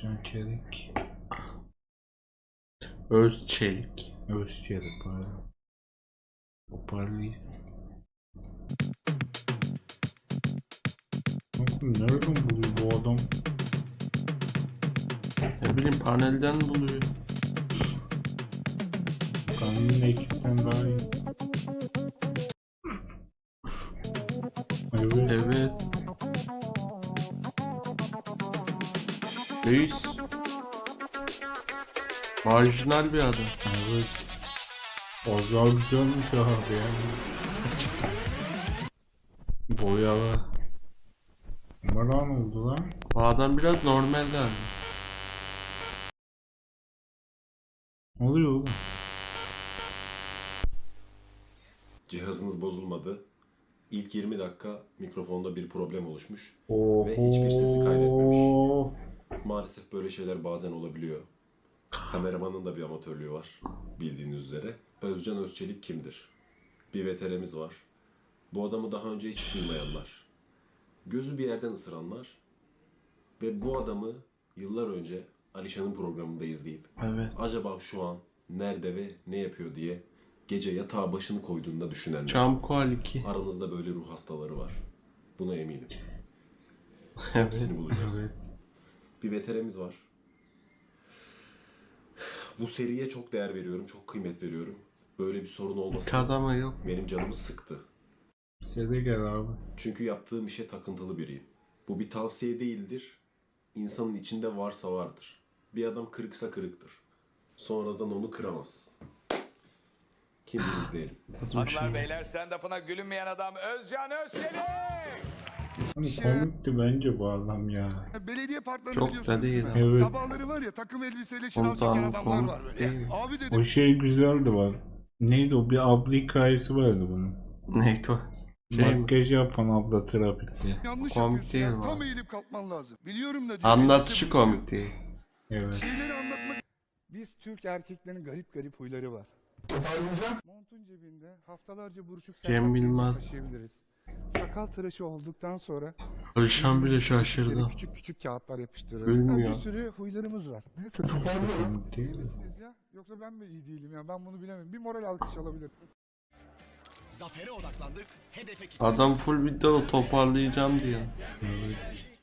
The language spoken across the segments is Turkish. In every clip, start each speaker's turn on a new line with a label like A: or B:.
A: Özcan Çelik.
B: Özçelik.
A: Özçelik pardon. Toparlayayım. Nereden buluyor bu adam?
B: Ne bileyim panelden buluyor.
A: Kanun ekipten daha iyi. Evet.
B: Evet. Reis. Marjinal bir adam.
A: Evet. Azar güzelmiş abi yani. Boyalı. Numara ne oldu lan?
B: Bu adam biraz normal yani.
A: Ne oluyor oğlum?
C: Cihazınız bozulmadı. İlk 20 dakika mikrofonda bir problem oluşmuş.
A: Oho.
C: Ve hiçbir sesi kaydetmemiş. Maalesef böyle şeyler bazen olabiliyor. Kameramanın da bir amatörlüğü var bildiğiniz üzere. Özcan Özçelik kimdir? Bir veterimiz var. Bu adamı daha önce hiç duymayanlar. Gözü bir yerden ısıranlar. Ve bu adamı yıllar önce Alişan'ın programında izleyip
B: Evet.
C: acaba şu an nerede ve ne yapıyor diye gece yatağa başını koyduğunda düşünenler.
B: Çamkoal 2.
C: Aranızda böyle ruh hastaları var. Buna eminim.
B: Evet.
C: Hepsini bulacağız.
A: Evet.
C: Bir veterimiz var. Bu seriye çok değer veriyorum, çok kıymet veriyorum. Böyle bir sorun olması
B: Kadama yok.
C: benim canımı sıktı.
A: Size de gel abi.
C: Çünkü yaptığım işe takıntılı biriyim. Bu bir tavsiye değildir. İnsanın içinde varsa vardır. Bir adam kırıksa kırıktır. Sonradan onu kıramazsın. Kim bilir izleyelim.
D: Hanımlar beyler stand-up'ına gülünmeyen adam Özcan Özçelik.
A: Hani komikti bence bu adam ya.
E: Belediye parklarını
B: Çok
E: biliyorsunuz
B: da
E: değil
B: değil
E: mi?
B: ama.
A: Evet.
E: Sabahları var ya takım elbiseyle şınav çeken
B: Komutanım
E: adamlar var
B: komik
E: böyle.
B: değil mi?
E: Abi dedim
A: O şey güzeldi var. Neydi o? Bir abla hikayesi vardı bunun.
B: Neydi o? Şey mi?
A: Makyaj yapan abla trafikte.
E: yanlış
B: komik
E: yapıyorsun
B: değil
E: ya.
B: mi
E: Tam
B: abi?
E: eğilip kalkman lazım. Biliyorum da diyor.
B: Anlatışı
E: elbise buruşuyor.
B: komik değil.
A: Evet.
E: Şeyleri anlatmak... Biz Türk erkeklerin garip garip huyları var. Montun cebinde haftalarca buruşuk
B: Cem
E: sakat bir
B: Yılmaz.
E: taşıyabiliriz. Sakal tıraşı olduktan sonra
B: Alişan bile
E: yüzümüzdeki
B: şaşırdı.
E: küçük küçük kağıtlar yapıştırırız.
B: Gülmüyor.
E: Bir sürü huylarımız var. Neyse
A: Komik değil mi?
E: misiniz ya? Yoksa ben mi iyi değilim ya? Ben bunu bilemem. Bir moral alkış alabilir.
F: Zafere odaklandık. Hedefe
B: Adam full video toparlayacağım diyor.
A: Evet.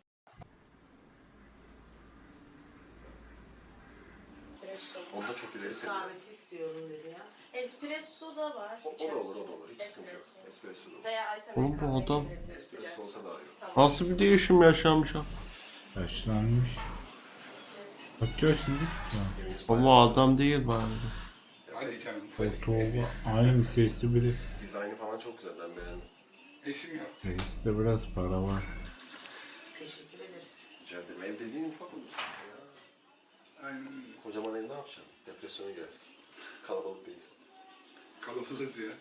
C: Onda çok ileri seviye.
G: Kahvesi istiyorum dedi ya. Espresso da var.
C: O da olur, o da olur. Hiç sıkıntı yok. Espresso da olur.
G: Veya ice
B: Oğlum bu
G: americano
B: adam-
G: içebiliriz.
C: Espresso olsa daha iyi.
B: Nasıl bir değişim yaşamış ha?
A: Yaşlanmış. Kaç yaşında?
B: Ama adam değil bari.
E: Hadi canım.
A: Fotoğrafı aynı sesi bile.
C: Dizaynı falan çok güzel, ben beğendim.
E: Eşim yaptı.
A: Reiste biraz para var.
G: Teşekkür ederiz.
C: Rica ederim. Ev dediğin ufak olur. Ya.
E: Aynen
C: Kocaman ev ne yapacaksın? Depresyona girersin. Kalabalık değilsin.
E: kalabalığız ya.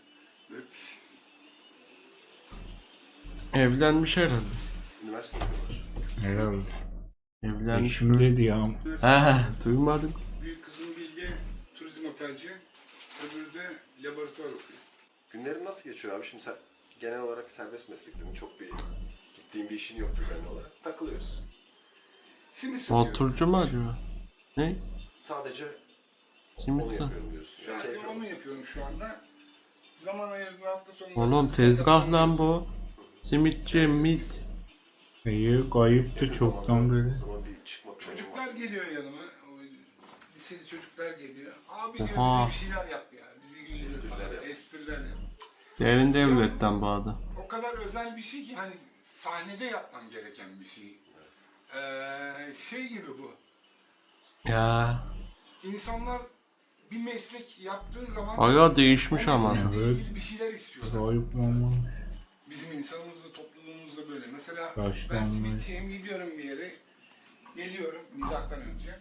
B: Evlenmiş herhalde.
C: Üniversite okuyorlar.
A: Herhalde.
B: Evlenmiş.
A: Eşim dedi ya.
B: He, duymadım.
E: Büyük kızım Bilge turizm otelci, öbürü de laboratuvar okuyor.
C: Günlerin nasıl geçiyor abi? Şimdi sen genel olarak serbest mesleklerin çok bir gittiğin bir işin yok düzenli olarak. Takılıyorsun.
E: Simit satıyorum.
B: Motorcu mu acaba? Ne?
C: Sadece onu
B: Simit mi?
C: yapıyorum diyorsun. Ya, keyif
E: Onu
C: yok.
E: yapıyorum şu anda. Zaman ayırdığım hafta sonu.
B: Oğlum tezgah lan bu. Simitçi mit.
A: İyi kayıptı çoktan
C: O
A: beri.
C: zaman bir çıkma planım
E: Çocuklar
C: var.
E: geliyor yanıma. O liseli çocuklar geliyor. Abi diyor
B: Oha.
E: bize bir şeyler yap ya. Bizi güldür
C: Espriler
E: falan.
C: yap.
E: Espriler yap.
B: Derin devletten bağlı.
E: O kadar özel bir şey ki hani sahnede yapman gereken bir şey. Şey gibi bu.
B: Ya.
E: İnsanlar bir meslek yaptığı zaman
B: Aya değişmiş
E: o
B: ama.
E: meslekle
A: Evet.
E: ilgili bir şeyler istiyorlar.
A: Kayıp olmamış.
E: Bizim insanımızda, toplumumuzda böyle. Mesela
A: Başlanmış.
E: ben simitçiyim, gidiyorum bir yere. Geliyorum mizahtan önce.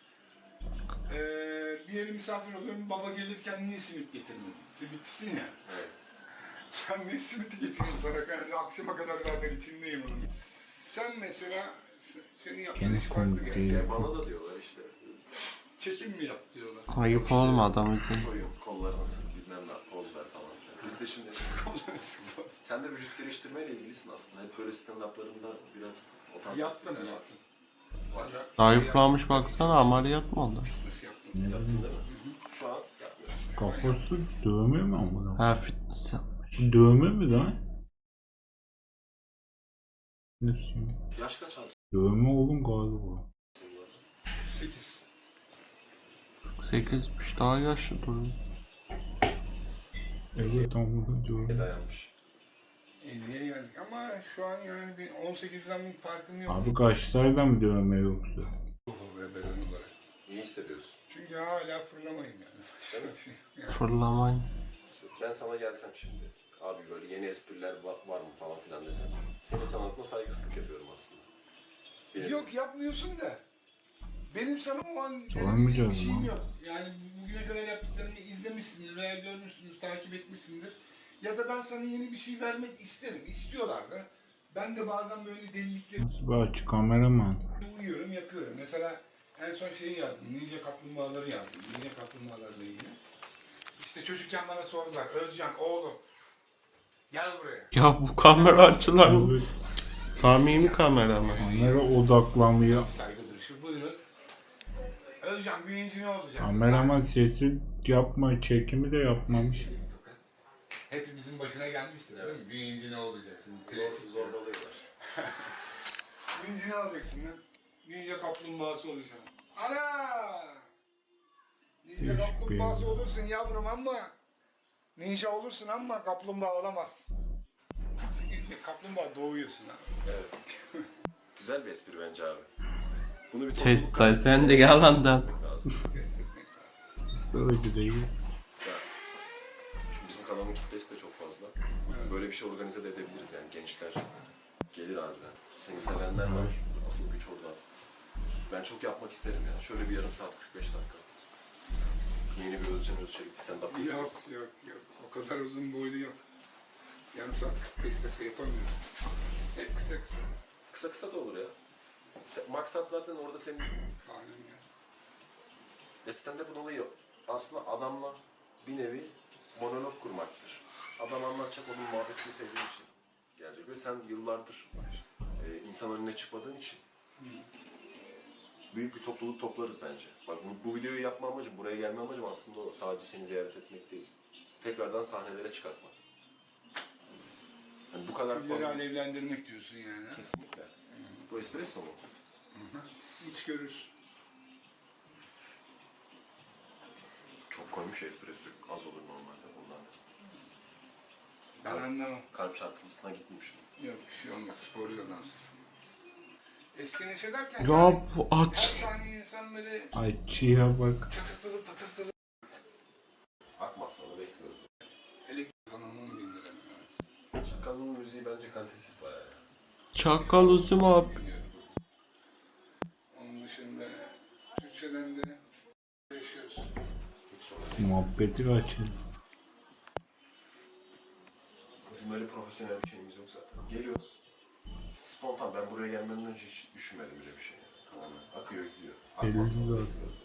E: Bir yere misafir oluyorum. Baba gelirken niye simit getirmedin? Simitçisin ya.
C: Evet.
E: Sen ne simiti getiriyorsun sana? Yani akşama kadar zaten içindeyim onun. Sen mesela senin yaptığın
A: Gene
E: iş farklı
A: komik
E: gerçi.
A: değil.
C: Ya bana da diyorlar işte.
E: Çekim mi yap diyorlar.
B: Ayıp olma adam için.
C: Soruyor, kollarını sık, bilmem ne, poz ver falan. Biz de şimdi sen de vücut geliştirmeyle ilgilisin aslında. Hep böyle stand-up'larında biraz o tarz
E: Yaptım
C: espriler var.
E: yaptım.
B: Zayıflamış baksana, ameliyat mı oldu?
E: Nasıl yaptın?
C: Yaptın değil mi? Şu an yapmıyorsun.
A: Kafası dövme mi amına?
B: Ha, fitness yap.
A: Dövme mi lan? Nasıl?
C: Yaş kaç abi?
A: Dövme oğlum galiba.
E: 8.
B: 8'miş, daha yaşlı duruyor.
A: Evet amına dövme.
C: Dayanmış.
E: 50'ye geldik ama şu an yani bir 18'den bir farkım yok.
A: Abi kaşlardan mı dövme yoksa?
E: Ve beden olarak.
C: İyi hissediyorsun.
E: Çünkü hala fırlamayın yani. Yani
B: Fırlamayın.
C: Mesela ben sana gelsem şimdi, abi böyle yeni espriler var mı falan filan desem. Senin sanatına saygısızlık yapıyorum aslında.
E: Yok yapmıyorsun da. Benim sana o an
A: Sormayacağız
E: bir şeyim
A: mı?
E: yok. Yani bugüne kadar yaptıklarımı izlemişsindir veya görmüşsündür, takip etmişsindir. Ya da ben sana yeni bir şey vermek isterim. İstiyorlar da. Ben de bazen böyle delilikleri
A: Nasıl bir açık kameraman?
E: uyuyorum, yapıyorum. Mesela en son şeyi yazdım. Ninja kaplumbağaları yazdım. Ninja kaplumbağalarla ilgili. İşte çocukken bana sordular. Özcan oğlum gel buraya.
B: Ya bu kamera açılar mı?
A: Evet.
B: Samimi kamera mı?
A: Kamera odaklanmıyor.
E: Saygı duruşu buyurun. Özcan büyüyünce ne olacaksın?
A: Kameraman sesi yapma, çekimi de yapmamış.
E: Hepimizin başına gelmiştir değil mi? Büyüyünce ne olacaksın?
C: Zorbalıyorlar.
E: Büyüyünce ne olacaksın lan? Ninja kaplumbağası olacağım. Ana! Ninja
A: Değişik
E: kaplumbağası
A: bir-
E: olursun yavrum ama ninja olursun ama kaplumbağa olamazsın. Çünkü kaplumbağa doğuyorsun ha.
C: Evet. Güzel bir espri bence abi. Bunu bir
B: Test sen de yalandan.
C: lazım.
E: Test etmek lazım.
A: Sıradaki değil.
C: Ya, şimdi bizim kanalın kitlesi de çok fazla. Böyle bir şey organize de edebiliriz yani gençler gelir harbiden. Seni sevenler var. Asıl güç orada. Ben çok yapmak isterim ya. Şöyle bir yarım saat 45 dakika. Yeni bir Özcan Özçelik stand-up
E: Yok
C: yapacağız.
E: yok yok. O kadar uzun boylu yok. Yarım saat 45 dakika yapamıyorum. Hep kısa kısa.
C: Kısa kısa da olur ya. Maksat zaten orada senin
E: Aynen ya.
C: stand-up'ın olayı aslında adamla bir nevi monolog kurmaktır. Adam anlatacak, onun muhabbetini sevdiğin için gelecek ve sen yıllardır insan önüne çıkmadığın için büyük bir topluluk toplarız bence. Bak bu videoyu yapma amacım, buraya gelme amacım aslında o. Sadece seni ziyaret etmek değil. Tekrardan sahnelere çıkartmak. Yani bu kadar
E: Külleri
C: falan.
E: alevlendirmek diyorsun yani. ha?
C: Kesinlikle. Bu espresso mu?
E: Hiç görürsün.
C: Çok koymuş espresso. Az olur normalde bundan.
E: Ben anlamam.
C: Kalp çarpıntısına gitmiş.
E: Yok bir şey olmaz. Sporcu adamsın. Eski neşe derken
B: Ya bu
E: her
B: aç.
E: saniye insan böyle
A: Ay çiğe bak.
E: çatırtılı patırtılı.
C: Akmaz sana bekliyorum.
E: Elektrik kanalının 1000 lira.
C: Çakalın müziği bence kalitesiz bayağı ya.
B: Çakal uzun abi.
E: Bilmiyorum. Onun dışında Türkçeden de yaşıyoruz.
C: Hiç sorun değil.
A: Muhabbeti kaçır.
C: Bizim öyle profesyonel bir şeyimiz yok zaten. Geliyoruz. Spontan, ben buraya gelmeden önce hiç düşünmedim bile bir şey. Tamamen akıyor gidiyor.
A: Belli
C: Akmaz sana
A: zaten.
C: bekliyorum.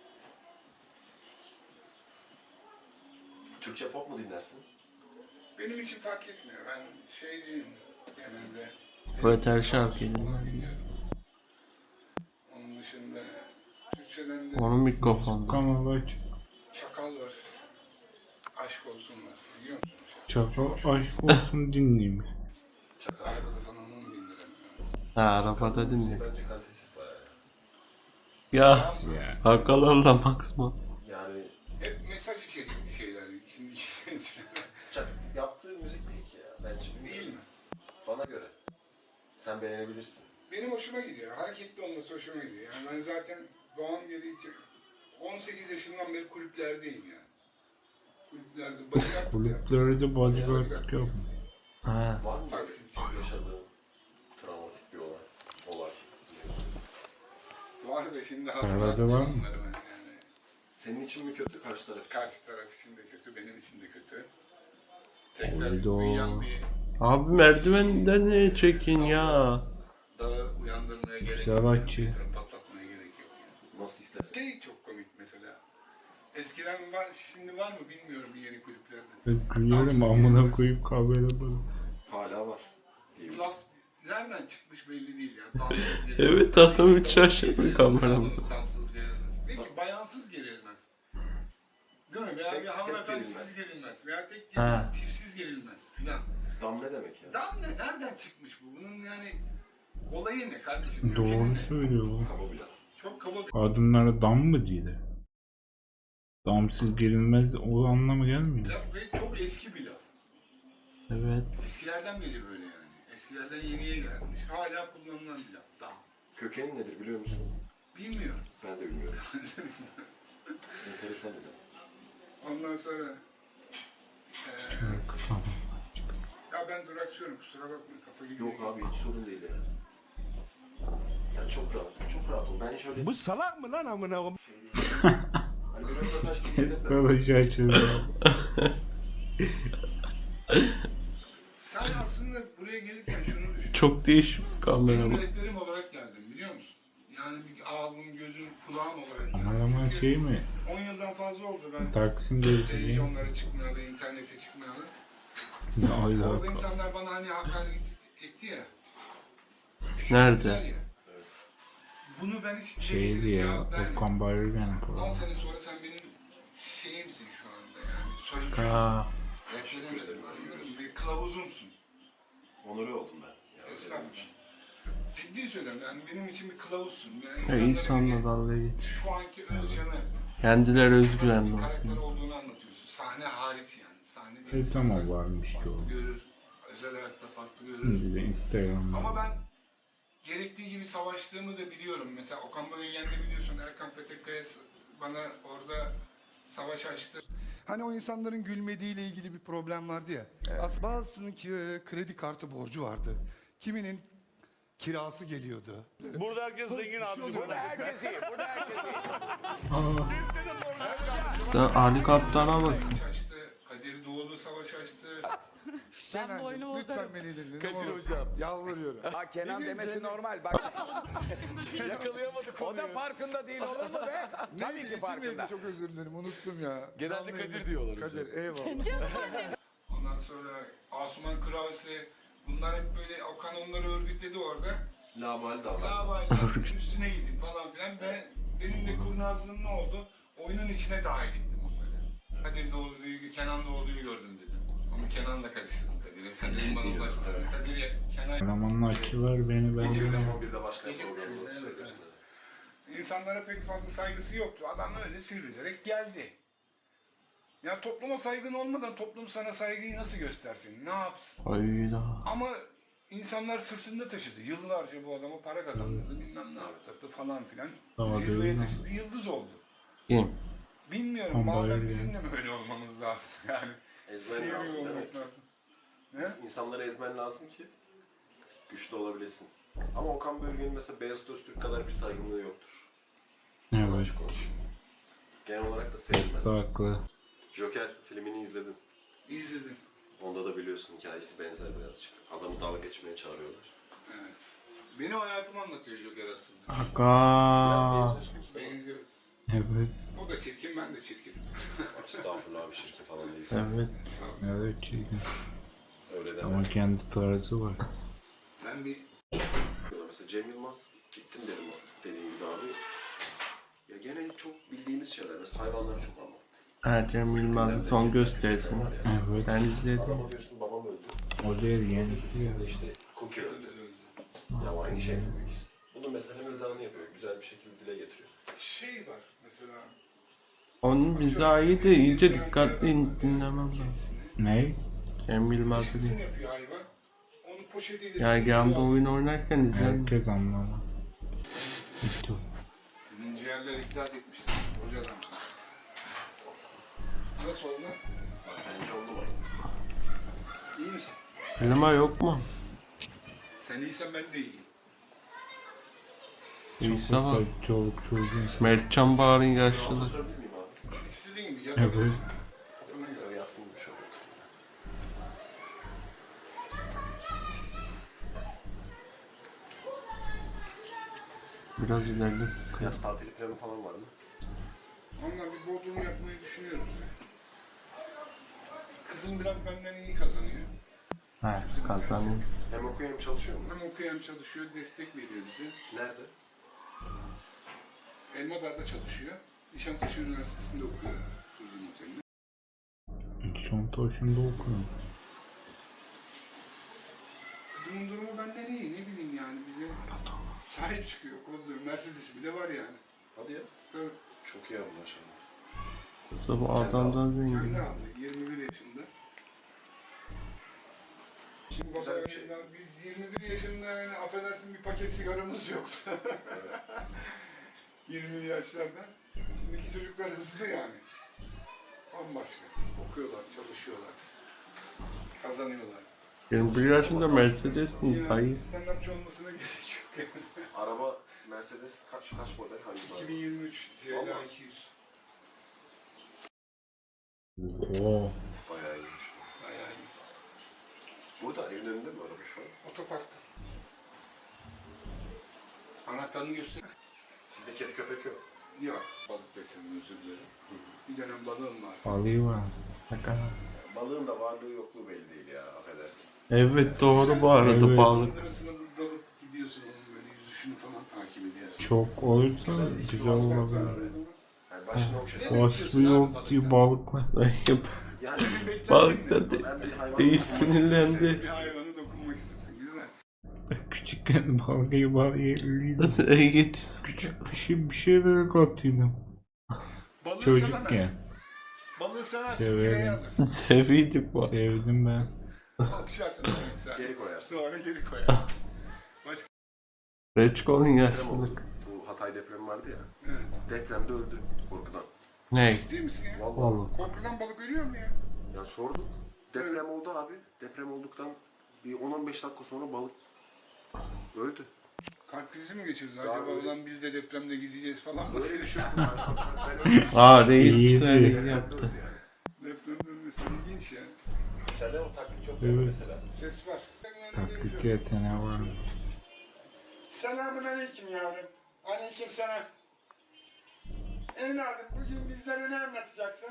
C: Türkçe pop mu dinlersin?
E: Benim için fark etmiyor. Ben şeyciyim genelde.
B: Röter şarkı
E: Falan
B: dinliyorum.
E: dinliyorum. Onun dışında Türkçeden de
B: Onun mikrofonu.
A: Kanal aç.
E: Çakal var. Aşk olsun var. Biliyor musun?
A: Çakal aşk olsun dinleyeyim.
C: Çakal.
E: Arabada falan 10 bin lira.
B: Ha, arabada
C: Müziği
B: dinle.
C: bence kalitesiz bayağı ya.
B: Ya
A: Ya.
B: sakallarla Maxma.
C: Yani
E: Hep mesaj içerikli şeyler. Şimdi gençler.
C: yaptığı müzik değil ki ya. Bence
E: Değil mi?
C: Bana göre. Sen beğenebilirsin.
E: Benim hoşuma gidiyor. Hareketli olması hoşuma gidiyor. Yani ben zaten doğam gereği 18 yaşından beri kulüplerdeyim yani. Kulüplerde bodyguard
A: Kulüplerde bodyguardlık yapma.
B: Ha.
C: Var mı böyle yaşadığın travmatik bir olay biliyorsun?
E: var da şimdi
A: Arada
E: hatırlatmıyorum
A: var mı?
E: onları ben yani.
C: Senin için mi kötü, karşı taraf?
E: Karşı taraf için de kötü, benim için de kötü. Tekrar
A: Oydo.
E: uyuyan bir
B: Abi merdivenden niye çekin ya?
E: dağı uyandırmaya gerek
A: Güzel
E: yok.
A: açı.
E: Yani patlatmaya gerek yok. Yani.
C: Nasıl istersen.
E: Şey çok komik mesela. Eskiden var, şimdi var mı bilmiyorum yeni kulüplerde.
A: Ben gülerim amına koyup kamera bak.
C: Hala var. Değil mi?
E: nereden çıkmış belli değil ya. Damsız gerilmez.
B: Evet, adam hiç şaşırdı kameramda.
E: Damsız gerilmez. Peki bayansız gerilmez. Değil mi? Veya bir
C: Tek
E: hanımefendisiz gerilmez. Veya tek
B: Ha.
E: gerilmez. Çiftsiz gerilmez filan.
C: Dam ne demek ya?
E: Dam ne? Nereden çıkmış bu? Bunun yani olayı ne kardeşim?
A: Doğru
E: Kökeni ne?
A: söylüyor bu.
C: Kaba bir laf.
E: Çok kaba bir
A: Kadınlara dam mı diyorlar? Damsız girilmez o anlamı gelmiyor.
E: laf ve çok eski bir laf.
B: Evet.
E: Eskilerden beri böyle yani. Eskilerden yeniye gelmiş. Hala kullanılan bir laf. Dam.
C: Kökeni nedir biliyor musun?
E: Bilmiyorum.
C: Ben de bilmiyorum. Enteresan bir laf.
E: Ondan sonra ya ben duraksıyorum kusura bakma kafa gidiyor.
C: Yok abi hiç sorun değil ya. Sen çok rahat, çok rahat ol. Ben hiç öyle...
F: Bu salak mı lan amına koyayım?
C: Hani bir röportaj gibi hissetmem.
A: Astroloji açıldı.
E: Sen aslında buraya gelirken şunu düşün.
B: Çok değişik
E: Benim
B: kameraman.
E: rehberim olarak geldim biliyor musun? Yani bir ağzım, gözüm, kulağım olarak geldim.
A: Kameraman
E: Çünkü
A: şey mi?
E: 10 yıldan fazla oldu ben
A: Taksim gerisi değil mi?
E: televizyonlara çıkmayalı, internete çıkmayalı.
A: Ne
E: Orada
A: alaka?
E: insanlar bana hani hakaret etti ya.
B: Nerede?
E: Küçüktüler ya. Bunu ben hiç
A: Şeydi ya,
E: cevap vermedim.
A: Okan Bayülgen
E: 10
A: falan.
E: sene sonra sen benim şeyimsin şu anda yani. Sözcüsün.
B: Aa,
E: Rehberimsin. Anlıyorum. Bir kılavuzumsun.
C: Onore oldum ben. Ya,
E: Estağfurullah. Ciddi söylüyorum yani benim için bir kılavuzsun. Yani
B: ya
E: insanlara
B: insanla
E: bir-
B: dalga geç.
E: şu anki Özcan'ı
B: Kendileri
E: nasıl
B: özgüvenli
E: bir karakter
B: olsun.
E: olduğunu anlatıyorsun. Sahne hariç yani. Sahne
A: Ne zaman varmış ki o?
E: farklı görür. Özel hayatta farklı görür.
A: Şimdi de Instagram'da.
E: Ama ben gerektiği gibi savaştığımı da biliyorum. Mesela Okan Bayülgen'de biliyorsun Erkan Petekkaya bana orada savaş açtı.
H: Hani o insanların gülmediğiyle ilgili bir problem vardı ya. Aslında bazısının kredi kartı borcu vardı. Kiminin kirası geliyordu.
F: Burada herkes zengin abicim.
D: Burada herkes iyi. Burada herkes iyi.
B: Sen Ali Kaptan'a baksın.
E: Savaş açtı. Kadir Doğulu savaş açtı.
H: Kenancığım lütfen beni dinle.
F: Kadir hocam.
H: Yalvarıyorum.
D: Ha Kenan
H: Bir gün
D: demesi
H: Cennet-
D: normal. Bak
F: Yakalayamadık
D: o da farkında değil olur mu be? Tabii
H: Neydi,
D: ki
H: isim neydi?
D: farkında.
H: Çok özür dilerim unuttum ya.
F: Genelde
H: Canlı
F: Kadir
H: yayın-
F: diyorlar
H: Kadir eyvallah.
E: Ondan sonra Asuman Krause bunlar hep böyle Okan onları örgütledi orada.
C: Labali davran.
E: Davalar üstüne gidip falan filan ve benim de kurnazlığım ne oldu? Oyunun içine dahil ettim onları. Kadir Doğulu'yu, Kenan Doğulu'yu gördüm dedim. Ama Kenan'la karıştırdım Kadir'e. Kadir'in bana ulaşmasını. Kadir'e, Kenan...
A: Kameramanla açılar beni ben
E: Gece
A: de.
E: uçuşu.
C: 11'de başlayan
E: Gece
C: programda
E: uçuşu, evet,
C: söylüyorsun.
E: İnsanlara pek fazla saygısı yoktu. Adam öyle sivrilerek geldi. Ya topluma saygın olmadan toplum sana saygıyı nasıl göstersin? Ne yapsın?
B: Hayda.
E: Ama insanlar sırtında taşıdı. Yıllarca bu adama para kazandırdı. Bilmem ne yaptı falan filan.
A: Tamam,
E: Zirveye
A: değil mi?
E: taşıdı. Yıldız oldu.
B: Kim?
E: Bilmiyorum.
A: Ama
E: Bazen
A: öyle.
E: bizim de mi öyle olmamız lazım? Yani
C: Ezmen
E: sivri
C: lazım
E: olmak
C: demek.
E: lazım. Ne?
C: İnsanları ezmen lazım ki güçlü olabilesin. Ama Okan Bölge'nin mesela Beyazıt Öztürk kadar bir saygınlığı yoktur. Sana
A: Evet.
C: açık konuşayım. Genel olarak da
A: Usta
C: sevilmez.
A: haklı.
C: Joker filmini izledin.
E: İzledim.
C: Onda da biliyorsun hikayesi benzer birazcık. Adamı dalga geçmeye çağırıyorlar.
E: Evet. Benim hayatımı anlatıyor Joker aslında.
B: Aga.
E: Benziyoruz.
A: Evet.
E: O da çirkin, ben de çirkin.
C: Estağfurullah abi şirke falan değilsin.
B: Evet.
A: Evet çirkin.
C: Öyle
A: Ama
C: deme.
A: kendi tarzı var.
E: Ben bir
C: Mesela Cem Yılmaz gittim dedim dediğim gibi abi. Ya gene çok bildiğimiz şeyler. Mesela hayvanları çok ama.
B: Ercem Yılmaz'ın son gösterisini.
A: Evet.
B: Ben izledim.
C: Adama diyorsun babam öldü.
A: O değil yenisi ya.
C: Siz de işte Cookie öldü. Ya aynı şey bu ikisi. Bunun mesela mizahını yapıyor. Güzel bir şekilde dile getiriyor.
E: şey var mesela.
B: Onun mizahı da iyice dikkatli dinlemem lazım.
A: Ne?
B: Cem Yılmaz'ı
E: Kesin
B: değil.
E: yapıyor hayvan. Onu poşetiyle
B: Gerganda oyun oynarken izledim.
A: Herkes anlar. Bitti.
E: Senin ciğerler iklat etmişler. Hoca adam. Nasıl oldu?
C: Bence oldu mu?
E: İyi misin?
B: Klima yok mu?
E: Sen iyisen ben de iyiyim.
B: İyiyse bak.
A: Çoluk çocuğun.
B: Mertcan Bağır'ın yaşlılığı.
C: Sorabilir miyim abi?
E: İstediğin gibi yatabilirsin. Kafana göre.
C: Böyle yatkın bir şey oldu.
B: Biraz ileride sıkıyor.
C: Yaz tatili planı falan var mı?
E: Onunla bir bodrum yapmayı düşünüyoruz. Kızım biraz benden iyi kazanıyor.
B: He, kazanıyor.
C: Hem okuyor hem çalışıyor mu?
E: Hem okuyor hem çalışıyor, destek veriyor bize.
C: Nerede?
E: Elmadar'da çalışıyor. Nişantaşı Üniversitesi'nde okuyor. Turizm Oteli'nde.
A: Nişantaşı'nda okuyorum.
E: Kızımın durumu benden iyi, ne bileyim yani bize sahip çıkıyor, kolluyor. Mercedes'i bile var yani.
C: Hadi ya.
E: Tabii.
C: Çok iyi abi maşallah.
B: Yoksa bu adamdan zengin.
E: Kendi aldı, 21 yaşında. Şimdi baba
C: Güzel bir şey.
E: ya, biz 21 yaşında yani affedersin bir paket sigaramız yoktu. 20'li yaşlarda. Şimdiki çocuklar hızlı yani. Bambaşka. Okuyorlar, çalışıyorlar. Kazanıyorlar.
B: 21 yaşında Mercedes'in
E: Yani
B: dayı.
E: stand-upçı olmasına gerek yok yani.
C: Araba Mercedes kaç model? Hangi model?
E: 2023 CLA
C: Vallahi.
E: 200.
A: Oo.
C: Bayağı iyiymiş.
E: Bayağı iyi.
C: Burada evin önünde mi araba şu an?
E: Otoparkta. Anahtarını göster.
C: Sizde kedi köpek yok.
E: Yok. Balık besledim, özür dilerim. Bir dönem balığım var.
A: Balığı var.
C: Balığın da varlığı yokluğu belli değil ya, affedersin.
B: Evet doğru bu arada
A: Evet.
B: balık.
E: Sırasına dalıp gidiyorsun onun böyle yüzüşünü falan takip ediyorsun.
A: Çok olursa güzel olabilir.
C: Yani başına okşasın.
A: Vasfı yok diye balıklar.
C: Yani
B: Balık da
C: ben bir hayvan
B: iyi
C: dokunmak
B: sinirlendi.
C: istiyorum.
E: Bir hayvana dokunmak istiyorsun. Güzel.
A: Küçükken balığı yerliydim.
B: Evet.
A: Küçük bir şeyler katıyordum.
E: Balığı
A: Çocukken.
E: sevemezsin. Balığı seversin.
A: Severim.
E: Fileyi alırsın.
B: Seviydik bu.
A: Sevdim ben.
E: Okşarsın. Güzel.
C: Geri koyarsın.
E: Sonra geri koyarsın.
B: Reçkol'un
C: Deprem oldu.
B: yaşlılık.
C: Bu Hatay depremi vardı ya.
E: Evet.
C: Depremde öldü korkudan.
B: Ne?
E: Ciddi misin ya?
C: Vallahi.
B: Vallahi.
E: Korkudan balık ölüyor mu ya?
C: Yani sorduk. Deprem oldu abi. Deprem olduktan bir 10-15 dakika sonra balık öldü.
E: Kalp krizi mi geçirdi? Acaba
C: Daha böyle-
E: ulan biz de depremde gideceğiz falan mı?
C: Öyle bir şey yok. Ben öyle bir şey
B: Aa reis bir
A: İyiydi.
B: saniye
C: Depremde
B: yaptı.
C: öldü yani.
E: Depremde ölmesi ilginç yani.
C: Sende o taklit yok
A: Evet.
C: mesela.
E: Ses var.
A: Taklit yeteneği var mı?
E: Selamun aleyküm yavrum. Aleyküm selam. Evladım bugün bizlere ne anlatacaksın?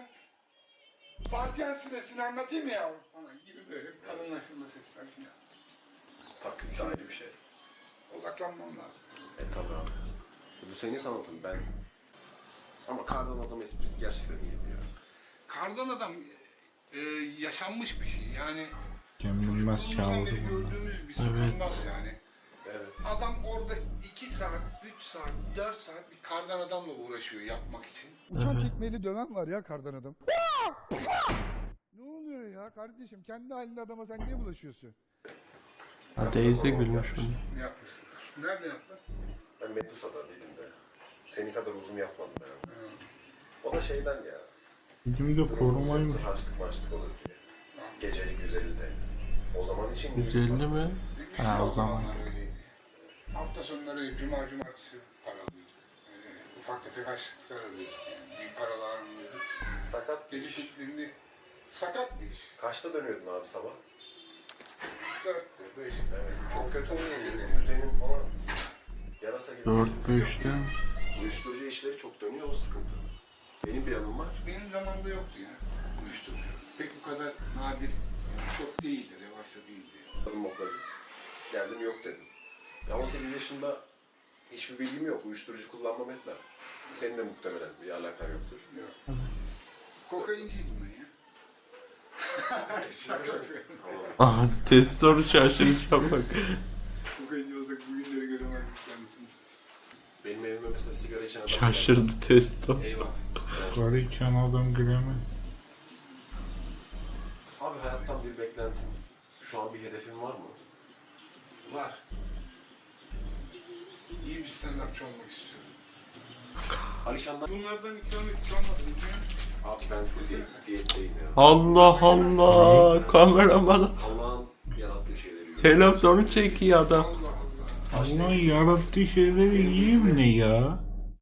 E: Fatiha suresini anlatayım mı yavrum? Falan gibi böyle bir kalınlaştırma sesler falan.
C: Taklit de ayrı bir şey.
E: Odaklanmam lazım.
C: Tabii abi. Bu senin sanatın ben. Ama kardan adam esprisi gerçekten iyiydi ya.
E: Kardan adam yaşanmış bir şey. Yani
A: Cem Yılmaz
E: çocukluğumuzdan
A: çaldı
E: beri
A: bunu.
E: gördüğümüz bir skandal yani.
C: Evet.
E: Adam orada 2 saat, 3 saat, 4 saat bir kardan adamla uğraşıyor yapmak için.
H: Uçan tekmeyle döven var ya kardan adam. Ne oluyor ya kardeşim? Kendi halinde adama sen niye bulaşıyorsun?
B: Ha teyze gülmüş bunu.
E: Yapmışsın. Nerede yaptın?
C: Ben Medusa'da Didim'de. Senin kadar uzun yapmadım ben. O da şeyden ya.
A: Bizim de korumaymış.
C: Harçlık maçlık olur diye. Gecelik 150 TL. O zaman için
B: 150 mi?
A: Ha, o zaman.
E: Öyleydi. Hafta sonları cuma cumartesi para alıyorduk. Ufak tefek harçlıklar alıyorduk. Yani büyük paralar alıyorduk.
C: Sakat bir
E: Gece
C: iş.
E: kulüplerinde sakat bir iş.
C: Kaçta dönüyordun abi sabah?
E: 4'te, 5'te.
C: Evet. Çok kötü oluyor. Senin falan yarasa gibi.
B: 4-5'te.
C: Uyuşturucu işleri çok dönüyor, o sıkıntı. Benim bir yanım var.
E: Benim zamanımda yoktu ya uyuşturucu. Pek bu kadar nadir, yani çok değildi, revaçta değildi.
C: Adım okladı. Geldim yok dedim. Ya 18 yaşında hiçbir bilgim yok. Uyuşturucu kullanmam etmem. Senin de muhtemelen bir alakan yoktur.
E: Yok. Kokainciydim ben ya. Şaka yapıyorum.
C: Tamam.
B: Aa test soru şaşıracağım bak.
E: Kokainci olsak bugünleri göremezdik kendisini.
C: Benim evime mesela sigara içen adam
B: Şaşırdı testo.
C: Eyvah.
A: Karı içen adam giremez.
C: Abi hayattan bir beklentin, şu an bir hedefin var mı?
E: Var. İyi bir stand-upçı olmak istiyorum.
C: Alişan'dan...
E: Bunlardan ikamet hiç olmadı mı?
C: Abi ben full diyetteyim ya.
B: Allah Allah. Kameraman
C: Allah'ın yarattığı şeyleri yiyorum.
B: televizyonu çekiyor adam.
E: Allah Allah.
A: Allah yarattığı şeyleri yiyeyim ne ya?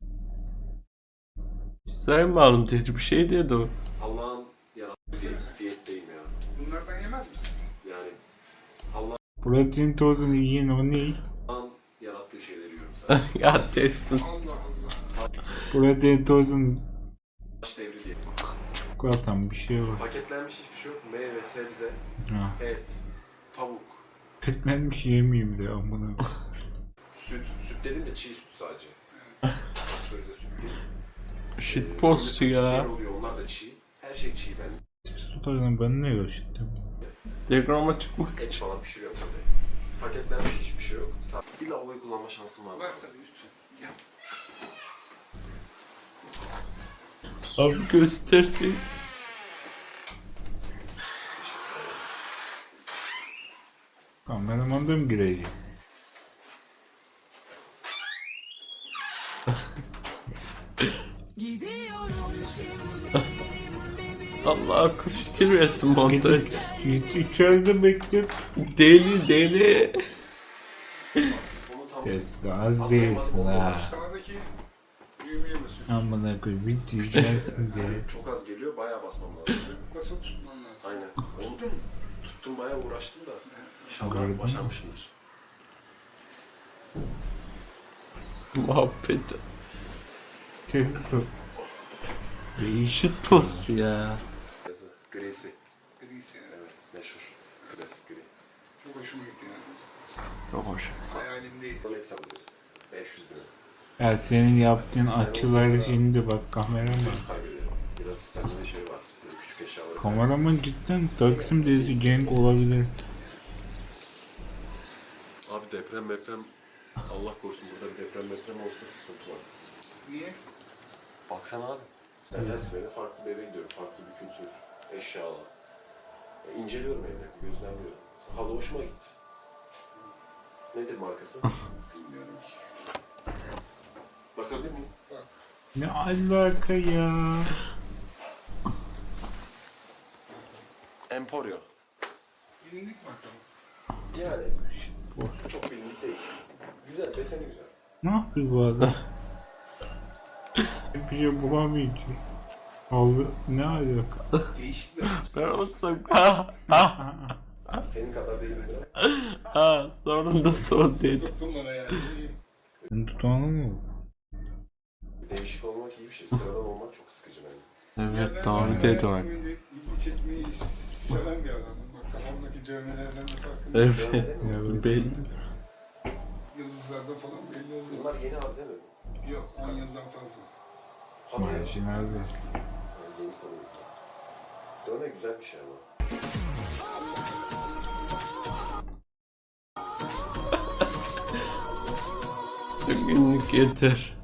B: Saymadım dedi bir şey dedi o.
C: Allah'ın yarattığı diyetteyim ya.
E: Bunlardan yemez misin?
C: Yani Allah'ın
A: Protein tozunu yiyin o ne?
C: yarattığı şeyleri yiyorum sadece.
B: Ya testos.
E: Allah Allah.
A: Protein tozunu
C: Taş devri diye.
A: çikolatan bir şey var.
C: Paketlenmiş hiçbir şey yok. Meyve, sebze,
A: Ha.
C: et, tavuk,
A: Petlenmiş yemeyeyim de amına.
C: süt dedim de çiğ süt sadece. Pastörize süt değil.
B: Shitpost
C: Fırında
B: ya.
C: sütler oluyor, onlar da çiğ. Her şey çiğ bende.
A: Test tutardan ben ne yaşattım?
B: Instagram'a çıkmak
C: Et
B: için.
C: falan pişiriyorum böyle. Paketlenmiş hiçbir şey yok. Bir lavaboyu kullanma şansım var.
E: Var tabii lütfen. Gel.
B: Abi göstersin.
A: Kameraman da mı gireyim?
B: Allah akıl fikir versin montaj.
A: İçeride bekle.
B: Deli.
A: Test az değilsin ha.
E: Sağdaki düğmeye basıyorsun.
A: Amına koyayım bir diyeceksin diye.
C: Çok az geliyor, bayağı basmam lazım.
E: Basıp tutman lazım.
C: Aynen. Onu tuttum, bayağı uğraştım da.
A: Gördün
C: İnşallah
A: mü?
C: başarmışımdır.
B: Muhabbet.
A: Test tut. Değişik.
B: Shitpost ya.
C: Yazı, grisi.
E: Grisi yani.
C: Evet, meşhur. Klasik gri.
E: Çok hoşuma gitti yani.
B: Çok hoş.
E: Hayalimdeydi.
C: Bunu hep satılıyor. 500 bin.
A: Ya senin yaptığın açıları şimdi bak kameraman.
C: Kaybediyor. Biraz bende de şey var. Böyle küçük eşyaları.
A: Kameraman cidden Taksim dizisi Cenk olabilir.
C: Abi deprem. Allah korusun, burada bir deprem olsa sıkıntı var.
E: Niye?
C: Baksana abi. Ben her seferinde farklı bir eve gidiyorum. Farklı bir kültür, eşyalar. İnceliyorum evleri, gözlemliyorum. Halı hoşuma gitti. Nedir markası?
E: Bilmiyorum ki.
C: Bakabilir miyim?
A: Ne alaka ya?
C: Emporio.
E: Bilindik bakalım.
C: Yani çok bilindik değil. Güzel, deseni güzel.
A: Ne yapıyor bu adam? Bir şey bulamayacak. Aldı ne alaka?
E: Değişik bir
B: Ben olsam
C: Senin kadar değildir ama.
B: ha sonunda son dedi.
E: soktun bana yani.
A: Sen tutanı mı?
C: Değişik olmak iyi bir şey. Sıradan olmak çok sıkıcı bence.
B: Evet doğru dedi bak.
E: İlgi çekmeyi seven bir adamım. Bak kafamdaki dövmelerden de farkında.
B: Evet.
A: Ya
B: Belli.
E: Yıldızlardan falan belli oluyor.
C: Bunlar yeni abi değil mi?
E: Yok 10 yıldan fazla.
C: Hadi ya.
A: marjinal bir.
C: Yani yeni sanırım. Dövme güzel bir şey ama.
B: Günlük yeter.